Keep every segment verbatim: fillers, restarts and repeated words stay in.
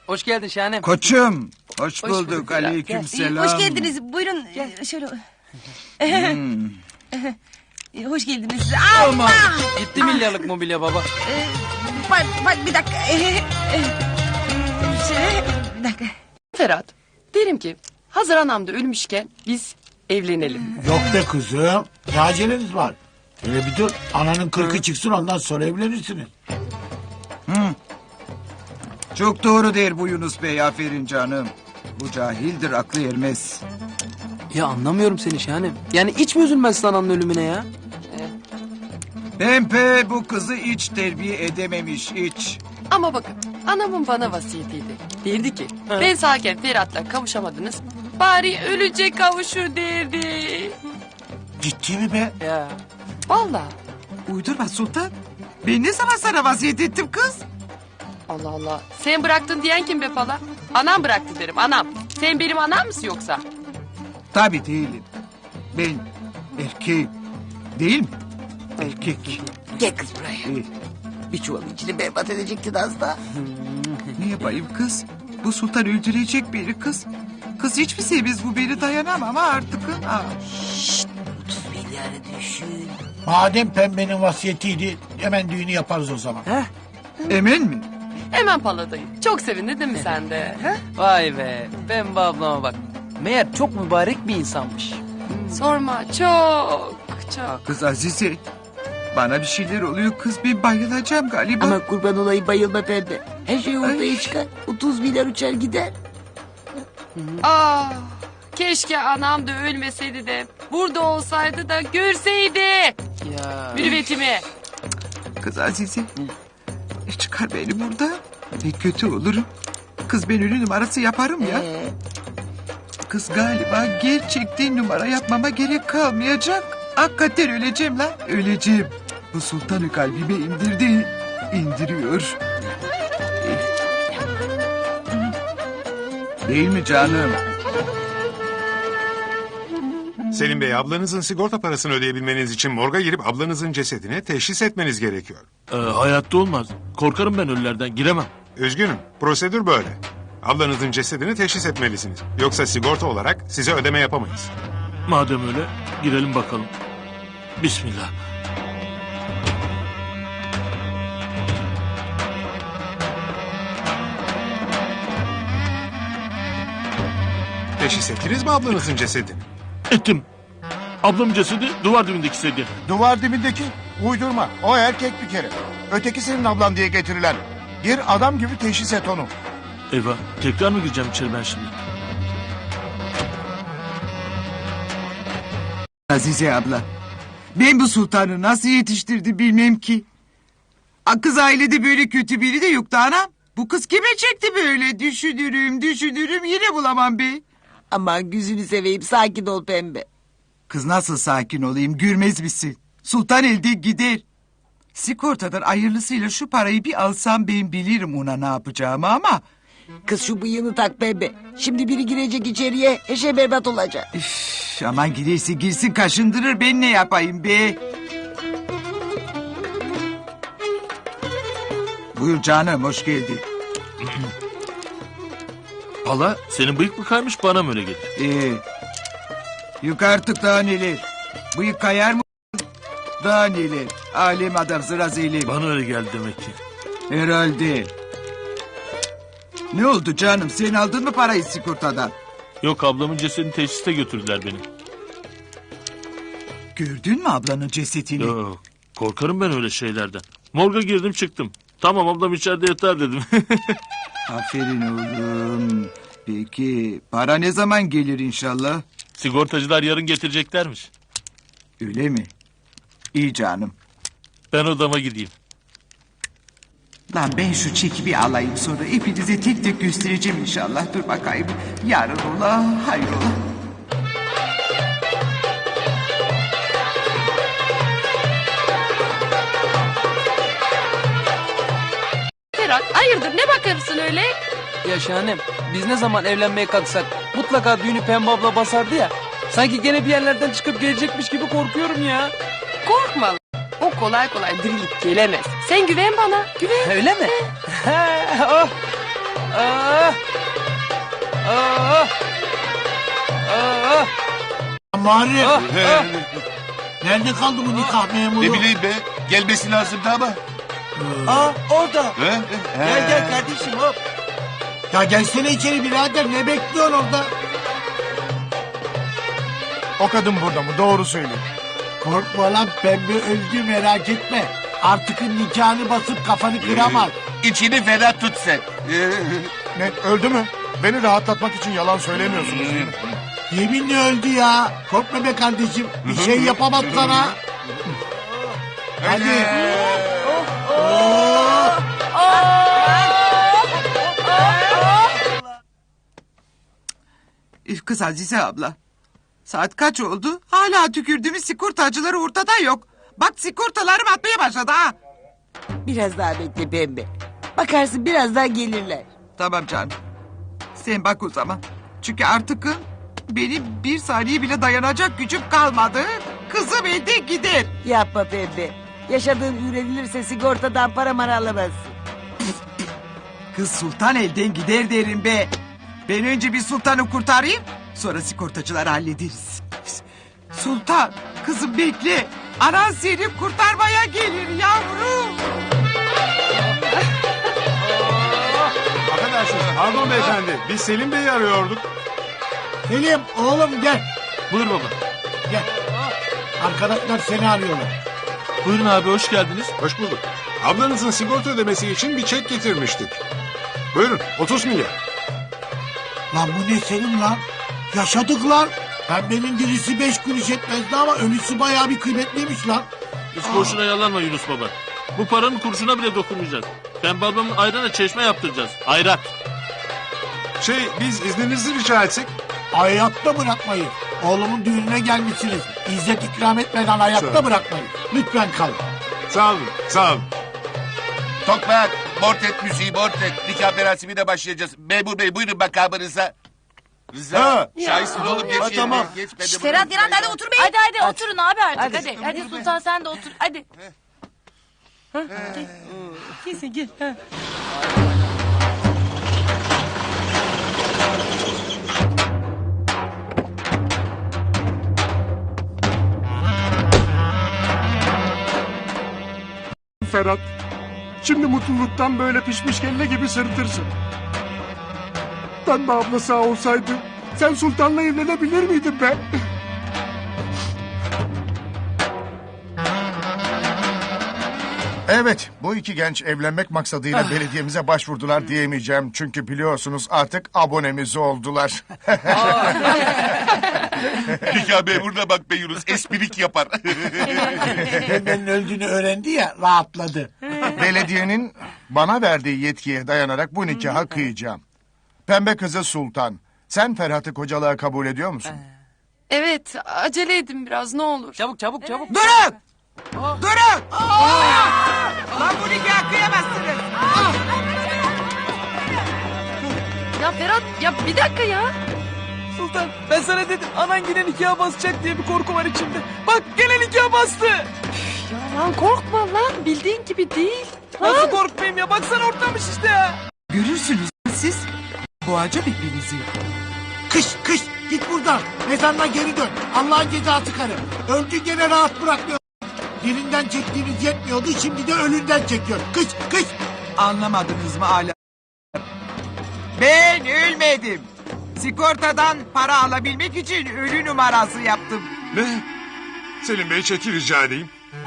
Hoş geldin Şahanem. Koçum, hoş, Hoş bulduk. bulduk. Aleyküm Gel. selam. Hoş geldiniz. Buyurun. Gel. Şöyle. Hmm. Hoş geldiniz. Aman. Allah! Gitti milyarlık mobilya baba. Ee, bak, bak bir dakika. Ee, Şöyle bir dakika. Ferhat, derim ki hazır anam da ölmüşken biz evlenelim. Yok be kızım. Ne aceleniz var? Hele bir dur. Ananın kırkı çıksın ondan sonra evlenirsiniz. Çok doğru der bu Yunus Bey, aferin canım. Bu cahildir, aklı ermez. Ya anlamıyorum seni Şahanem. Yani hiç mi üzülmezsin ananın ölümüne ya? Pempe bu kızı hiç terbiye edememiş, hiç. Ama bakın anamın bana vasiyetiydi. Derdi ki ben sağken Ferhat'la kavuşamadınız. Bari ölünce kavuşur derdi. Ciddi mi be? Ya. Vallahi. Uydurma Sultan. Ben ne zaman sana vasiyet ettim kız? Allah Allah. Sen bıraktın diyen kim be pala? Anam bıraktı derim anam. Sen benim anam mısın yoksa? Tabii değilim. Ben erkeğim. Değil mi? Erkek. Gel kız buraya. İyi. Bir çuvalın içini berbat edecektin az da. Ne yapayım kız? Bu Sultan öldürecek beni kız. Kız hiç mi sevmez bu, beni dayanamam ha artık. Ha. otuz milyarı düşün. Madem pembenin vasiyetiydi hemen düğünü yaparız o zaman. Emin mi? Hemen paladayım. Çok sevindin değil mi sen de? he? Vay be. Pembe ablama bak. Meğer çok mübarek bir insanmış. Sorma çok çok. Kız Azize. Bana bir şeyler oluyor kız, ben bayılacağım galiba. Ama kurban olayım, bayılma pembe. Her şey ortaya çıkar. otuz milyar uçar gider. Ah, keşke anam da ölmeseydi de burada olsaydı da görseydi Ya. mürüvvetimi. Kız Azize. E çıkar beni burada. Ne kötü olurum. Kız ben ölü numarası yaparım ya. Ee, Kız galiba gerçekten numara yapmama gerek kalmayacak. Hakikaten öleceğim lan. Öleceğim. Bu sultanı kalbime indirdi. İndiriyor. Değil mi canım? Selim Bey, ablanızın sigorta parasını ödeyebilmeniz için morga girip ablanızın cesedini teşhis etmeniz gerekiyor. Ee, hayatta olmaz. Korkarım ben ölülerden. Giremem. Üzgünüm, prosedür böyle. Ablanızın cesedini teşhis etmelisiniz. Yoksa sigorta olarak size ödeme yapamayız. Madem öyle girelim bakalım. Bismillah. Teşhis ettiniz mi ablanızın cesedini? Ettim. Ablamın cesedi duvar dibindeki sedye. Duvar dibindeki uydurma. O erkek bir kere. Öteki senin ablan diye getirilen. Gir adam gibi teşhis et onu. Eyvah. Tekrar mı gireceğim içeri ben şimdi? Azize abla. Ben bu sultanı nasıl yetiştirdi bilmem ki. A, kız ailede böyle kötü biri de yoktu anam. Bu kız kime çekti böyle? Düşünürüm düşünürüm yine bulamam be. Aman gözünü seveyim, sakin ol pembe. Kız nasıl sakin olayım, gülmez misin? Sultan elde gider. Sigortadan hayırlısıyla şu parayı bir alsam ben bilirim ona ne yapacağımı ama... Kız şu bıyığını tak pembe. Şimdi biri girecek içeriye, her şey berbat olacak. Üf, aman girerse girsin kaşındırır, ben ne yapayım be? Buyur canım, hoş geldin. Hala senin bıyık mı kaymış bana mı öyle gelir? Ee, yük artık daha neler. Bıyık kayar mı? Daha neler. Alem adam sıra zeylem. Bana öyle geldi demek ki. Herhalde. Ne oldu canım, sen aldın mı parayı sigortadan? Yok, ablamın cesedini teşhiste götürdüler beni. Gördün mü ablanın cesetini? Yok, korkarım ben öyle şeylerden. Morga girdim çıktım. Tamam, ablam içeride yatar dedim. Aferin oğlum. Peki para ne zaman gelir inşallah? Sigortacılar yarın getireceklermiş. Öyle mi? İyi canım. Ben odama gideyim. Lan ben şu çeki bir alayım, sonra hepinize tek tek göstereceğim inşallah. Dur bakayım. Yarın ola, hayrola. Ferhat hayırdır ne bakarsın öyle? Ya Şahanem, biz ne zaman evlenmeye kalksak mutlaka düğünü Pembe abla basardı ya. Sanki gene bir yerlerden çıkıp gelecekmiş gibi korkuyorum ya. Korkma. O kolay kolay dirilip gelemez. Sen güven bana güven. Öyle mi? oh. Ah! Ah! Ah! Muharrem. Ah! Ah! Nerede kaldı bu nikah memuru? Ne bileyim be. Gelmesi lazımdı ama. Aa orada. He? Gel gel kardeşim hop. Ya gelsene içeri birader, ne bekliyorsun orada? O kadın burada mı? Doğru söyle. Korkma lan, pembe öldü, merak etme. Artık nikahını basıp kafanı kıramaz. İçini ferah tut sen. Ne öldü mü? Beni rahatlatmak için yalan söylemiyorsunuz değil mi? Yeminle öldü ya. Korkma be kardeşim, bir şey yapamaz sana. Hadi. Üf kız Azize abla. Saat kaç oldu? Hala tükürdüğümüz sigortacıları ortada yok. Bak sigortalarım atmaya başladı ha. Biraz daha bekle pembe. Bakarsın birazdan gelirler. Tamam canım. Sen bak o zaman. Çünkü artık benim bir saniye bile dayanacak gücüm kalmadı. Kızım evde gider. Yapma pembe. Yaşadığın öğrenilirse sigortadan para mara alamazsın. Kız sultan elden gider derim be. Ben önce bir sultanı kurtarayım. Sonra sigortacıları hallederiz. Sultan kızım bekle. Anan seni kurtarmaya gelir yavrum. Affedersiniz. Pardon beyefendi. Biz Selim Bey'i arıyorduk. Selim oğlum gel. Buyur baba. Gel. Arkadaşlar seni arıyorlar. Buyurun abi, hoş geldiniz. Hoş bulduk. Ablanızın sigorta ödemesi için bir çek getirmiştik. Buyurun otuz milyar. Lan bu ne Selim lan? Yaşadık lan. Pembenin dirisi beş kuruş etmezdi ama ölüsü bayağı bir kıymetliymiş lan. Hiç boşuna yalanma Yunus baba. Bu paranın kurşuna bile dokunmayacağız. Pembe ablamın ayrana çeşme yaptıracağız. Ayrak. Şey biz izninizi rica etsek. Hayatta bırakmayın. Oğlumun düğününe gelmişsiniz. İzzet ikram etmeden hayatta Sağ ol. bırakmayın. Lütfen kalın. Sağ olun sağ olun. Tokmak, Mortet müziği, Mortet. Nikah merasimine başlayacağız. Memur Bey buyurun makamınıza. Rıza, Ha. şahitsin oğlum geç yerine. tamam. Geç, ben de bunu Ferhat unutmayın Yaran hadi ya. otur be. Hadi hadi oturun abi artık Hadi. hadi. Hadi, Sultan sen de otur hadi. Ha, gel. Gel sen gel. Ha. Ferhat. Şimdi mutluluktan böyle pişmiş kelle gibi sırıtırsın. Pembe abla sağ olsaydı sen sultanla evlenebilir miydin be? Evet, bu iki genç evlenmek maksadıyla belediyemize başvurdular diyemeyeceğim. Çünkü biliyorsunuz artık abonemiz oldular. Nikah memuruna bak be Yunus, esprik yapar. Pembenin öldüğünü öğrendi ya, rahatladı. Belediyenin bana verdiği yetkiye dayanarak bu nikahı kıyacağım. Pembe kızı Sultan, sen Ferhat'ı kocalığa kabul ediyor musun? Evet acele edin biraz ne olur. Çabuk çabuk çabuk. Durun! Durun! Lan bu nikahı kıyamazsınız. Ya Ferhat ya bir dakika ya. Sultan ben sana dedim anan yine nikaha basacak diye bir korku var içimde. Bak gene nikaha bastı. Ya lan korkma lan bildiğin gibi değil. Nasıl korkmayayım ya baksana ortamış işte ya. Görürsünüz siz. Boğacağım hepinizi. Kış kış git buradan. Mezarına geri dön. Allah'ın cezası karı. Öldü gene rahat bırakmıyor. Birinden çektiğiniz yetmiyordu, şimdi de ölünden çekiyor. Kış kış. Anlamadınız mı hala? Ben ölmedim. Sigortadan para alabilmek için ölü numarası yaptım. Ne? Selim Bey çeki rica edeyim.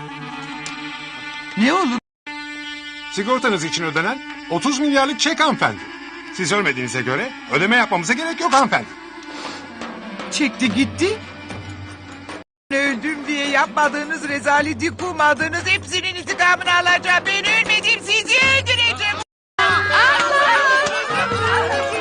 Ne olur? Sigortanız için ödenen otuz milyarlık çek hanımefendi. Siz ölmediğinize göre ödeme yapmamıza gerek yok hanımefendi. Çekti gitti. Öldüm diye yapmadığınız rezaleti kumadığınız hepsinin intikamını alacağım. Ben ölmedim sizi öldüreceğim. Allah!